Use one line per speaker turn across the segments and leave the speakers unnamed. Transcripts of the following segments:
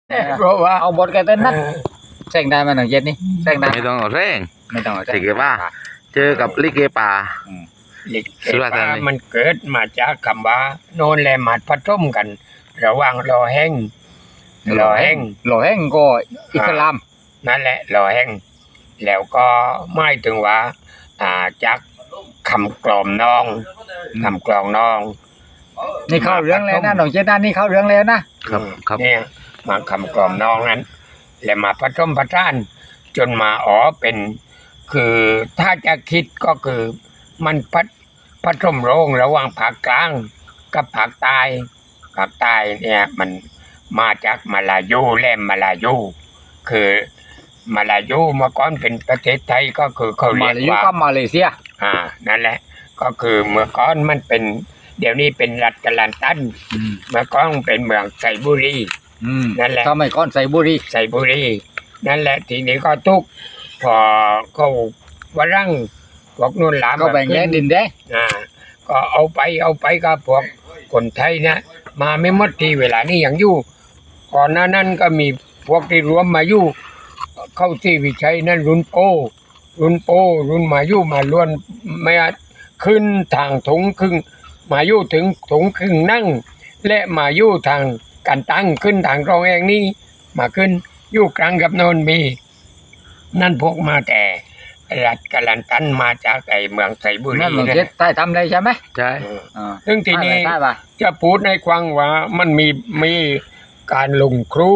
เพราะว่า
เอาบทแกเต้นนัดแซงได้มาหนึ่งเย็นนี่แซงได้
ไม่ต้องเอาแรง
ไม่ต้อง
ลิเกป่าเจอกับลิเกป่า
ลิเก
สุราษฎร์ธานี
ป่ามันเกิดมาจากคำว่าโนนแลมาดผสมกัน ระหว่างรอแห้ง
หล่อแห้งก็อิสลาม
นั่นแหละรอแห้งแล้วก็หมายถึงว่าจากคำกลอมน้องคำกลองน้อง
นี่เข้าเรื่องแล้วนะหนองเจด้านนี่เข้าเรื่องแล้วนะครับ
เนี่ยมาคำกลอมน้องนั้นแล้วมาผสมผสานจนมาเป็นคือถ้าจะคิดก็คือมันผสมโรงระหว่างภาคกลางกับภาคใต้ภาคใต้เนี่ยมันมาจากมาลายูและมาลายูคือมาลายูเมื่อก่อนเป็นประเทศไทยก็คือเขา
มา
เรียก
เลเซีย
ว่า
ก็มาเลเซีย
นั่นแหละ ก็คือเมื่อก่อนมันเป็น เดี๋ยวนี้เป็นรัฐกาลันตันเมื่อก่อนเป็นเมืองไซบุรีนั่นแหละ
ทำไมก้อนใส่บุรี
ไซบุรีนั่นแหละทีนี้ก็ทุกพอเขาวรั่งพวกนุ่นหลาม
ก็แบ่งแยกดินแดง
ก็เอาไปกับพวกคนไทยนะมาไม่หมดทีเวลานี้ยังอยู่ก่อนหน้านั้นก็มีพวกที่รวมมาอยู่เข้าที่วิชัยนั่นรุ่นโปรุ่นมาอยู่มาล้วนไม่ขึ้นทางถุงครึ่งมาอยู่ถึงถุงครึ่งนั่ง และมาอยู่ทางการตั้งขึ้นทางรองเองนี่มาขึ้นอยู่กลางกับโนนมีนั่นพวกมาแต่รัฐกาลันตันมาจากไอเมืองไซบุรี
นั่นหนองเจใต้ทำได้ใช่ไหม
ใช่
ซึ่งทีนี้
ใช่ป่ะ
จะพูดในควังว่ามันมีการลงครู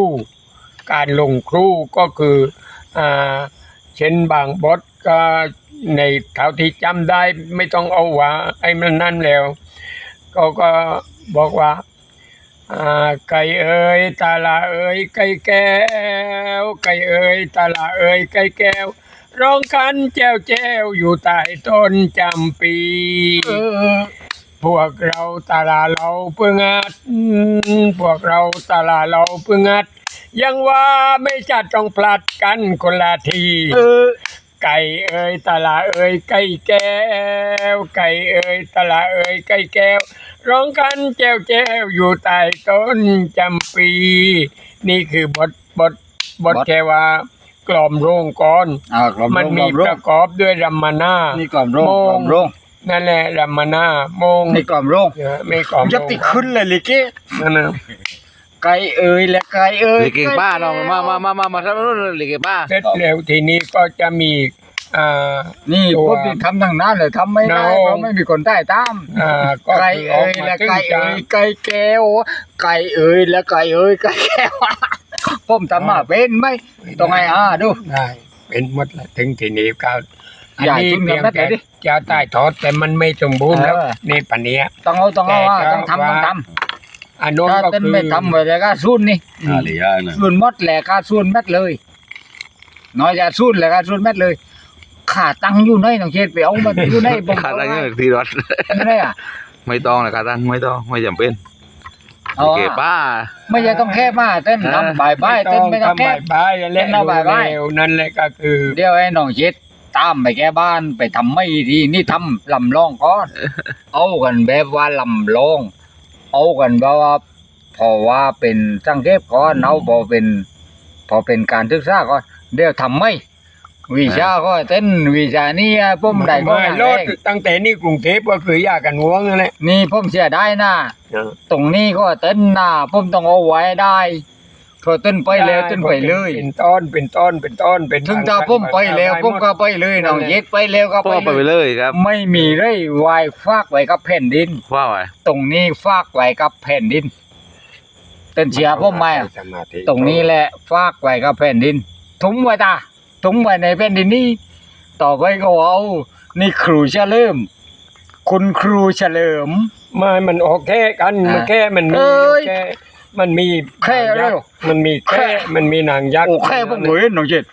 ก็คือเช่นบางบทก็ในเท่าที่จำได้ไม่ต้องเอาว่าไอ้มันนั่นแล้วก็บอกว่าไก่เอ๋ยตาลาเอ๋ยไก่แก้วไก่เอ๋ยตาลาเอ๋ยไก่แก้วร้องกันแจ้วอยู่ใต้ต้นจำปีพวกเราตาลาเราเพื่องัดพวกเราตาลาเราเพื่องัดยังว่าไม่จัดต้องพลัดกันคนละทีไก่เอ๋ยตาลาเอ๋ยไก่แก้วไก่เอ๋ยตาลาเอ๋ยไก่แก้วร้องกันแจ้วอยู่ใต้ต้นจำปี นี่คือบทแค่ว่ากล่อมโรงก่อนมันมีประกอบด้วยรัมมนา
นี่กล่อมโรง
นั่นแหละรัมมนาโมง
นี่กล่อมโรง
ไม่กล่อม
จะติดขึ้นเลยลิเก
นั่นนะ
ไก่เอ๋ยและไก่เอ๋ย
ลิเกป่าน้องมาทำนู่นลิเกป่า
เสร็จแล้วทีนี้ก็จะมี
นี่
ตัว
พวกที่ทำทางนั้นเลยทำไม่ได้
น้อง
เพราะไม่มีคนใต้ตาม
ก็
ไก่
คือ
เอ๋ยและไก่เอ๋ยไก่แก้วไก่เอ๋ยและไก่เอ๋ยไก่แก้วผมทำมาเป็นไหมต้องไงดู
ได้เป็นหมดละถึงทีนี้ก็อัน
อย่า
นี้
ทิ้ง
เพียง
แบบนั้น
แต่
ดิ
จะใต้ทอดแต่มันไม่สมบูรณ์แล้ว นี่ปัญญา
ต้องเอาต้อง
แต่
ทำ
ว่า อันโน้น
ถ้า
ก็
เต้น
คือ
ไม่ทำไว้แล้วก็ซุนนี่
อะไรอย่างนั้น
ซุนมดแหละก็ซุนเม็ดเลยน้อยจะซุนแหละก็ซุนเม็ดเลยขาตังอยู่ไหนน้องเชษไปเอามาอยู่ไหนผม
ขาตั้งเงี้ยทีรถ
อยู่ไหนอ่ะ
ไม่ต้องนะขาตั้งไม่ต้องไม่จำเป็น
เอา
ลิเกป่า
ไม่ใช่ต้องแค่มาเต้นทำบายเต้นไม่ต้องแค่
ทำบายๆและ
เต้นเอาบ่ายๆ
เร็วนั่นแหละก็คือ
เดี๋ยวไอ้น้องเช็ดตามไปแก้บ้านไปทำไม่ดีนี่ทำลำลองก่อนเอากันแบบว่าลำลองเอากันแบบว่าพอว่าเป็นสังเกตก่อนเอาพอเป็นการศึกษาก่อนเดี๋ยวทำไม่วิชาก็เต้นวิชานี่ผมได้ก็
ไม่
อย่าง
ร
แร
ถ
ก
ตั้งแต่นี่กรุงเทพก็คือยากันห่วงนั่นแหละ
นี่ผมเสียได้นะตรงนี้ก็เต้นนะผมต้องเอาไว้ได้พอเต้นไปแล้วเต้นไปเลย
เป็นต้น
ถึงถ้าผมไปแล้วผมก็ไปเลยน้องเย็ดไปแล้วก็
พ่อไป
ไปเลย
เลยครับ
ไม่มีเลยวายฝากไว้กับแผ่นดิน
ว่าไง
ตรงนี้ฝากไว้กับแผ่นดินเต้นเชียร์ผมไหมอะตรงนี้แหละฝากไว้กับแผ่นดินถุงไว้ในแผ่นดินนี้ต่อไปก็เอานี่ครูเฉลิมคุณครูเฉลิม
ไม่มันโอเคกันมันแค่มันมี
เอ้ย
แค่มันมี
แค่เร็ว
มันมีแค่มันมีนางยักษ์
โอ้แค่ผมเห็นน้องเจ็ด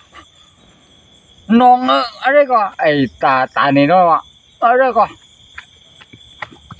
น้องอะไรก็ไอ้ตานี่เนาะอะไรก็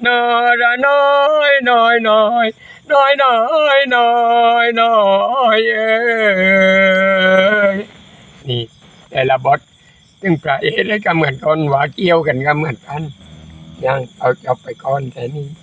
นอระน้อยน้อยน้อยน้อยน้อยน้อยน้อยเอ้ยนี่แต่ละบทซึ่งพระเอกได้ก็เหมือนกันว่าเกี่ยวกันก็เหมือนกันยังเอาจบไปก่อนแต่นี่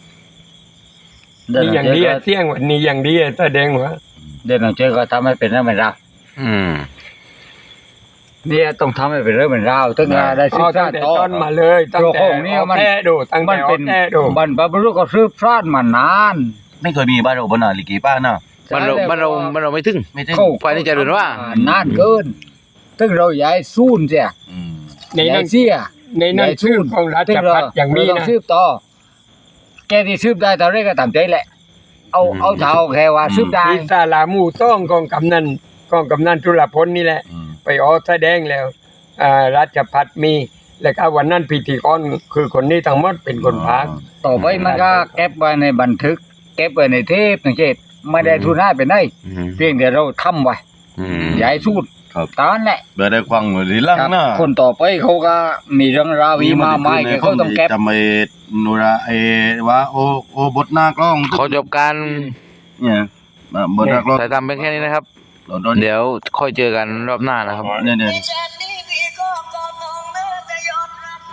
นี่อย่างนี้อะเสี่ยงวันนี้อย่างนี้อะแสดงว่า
เดี๋ยวน้องเจ้ก็ทำให้เป็นเรื่องเป็นราว
อืม
เนี่ยต้องทำให้เป็นเรื่องเป็นราวถึงจะได้ศึ
เอา
กษา
ตั้งแต่
ต่อ
ต้นมาเลยตั้งแต่
โลกนี้มัน
แท้ดูตั้ง
มั
แต่
นเป็น
แท้ดู
บรรพบุรุษก็สืบทอดมานาน
ไม่เคยมีบ้านเราบนลิเกป้านะ
มันเราไม่ถึง
ไม่ถึง
เข้า
ไฟนี่จะเดินว่า
นานเกินถึงเราย้ายซูนเสีย
อืม
ใน
ย้า
นั้
ย
น
เสีย
ในนั้นชื่อของราชพัฒน์อย่างนี้
เราต้อง
นะ
สืบต่อแกที่สืบได้ตอนแรกก็ตามใจแหละ เอาเท่าแค่ว่าสืบได้
ที่ศาลาหมู่ต้องของกำนันจุลพลนี่แหละ
อืม
ไปออกแสดงแล้วราชพัฒน์มีแล้วก็วันนั้นพิธีกรคือคนนี้ทั้งหมดเป็นคนพากย์
ต่อไปมันก็เก็บไว้ในบันทึก เก็บไว้ในเทปสังเกตไม่ได้ทุนให้เป็นได้เพียงแต่เราทำไว้ย้ายสูตร
ครับ
ตอนแหละ
เบอร์ได้ควังหรือลังนะ
คนต่อไปเขาก็มีเรื่องราวอีมาไม่เขาต้องเก็บ
จำไอ้นุระไอ้ว่าโอบทหน้ากล้อง
ขอจบการ
เนี่ยบทหน้ากล้อง
ถ่ายทำเป็นแค่นี้นะครับ
เราโดน
เดี๋ยวค่อยเจอกันรอบหน้านะครับ
เนี่ย
Jack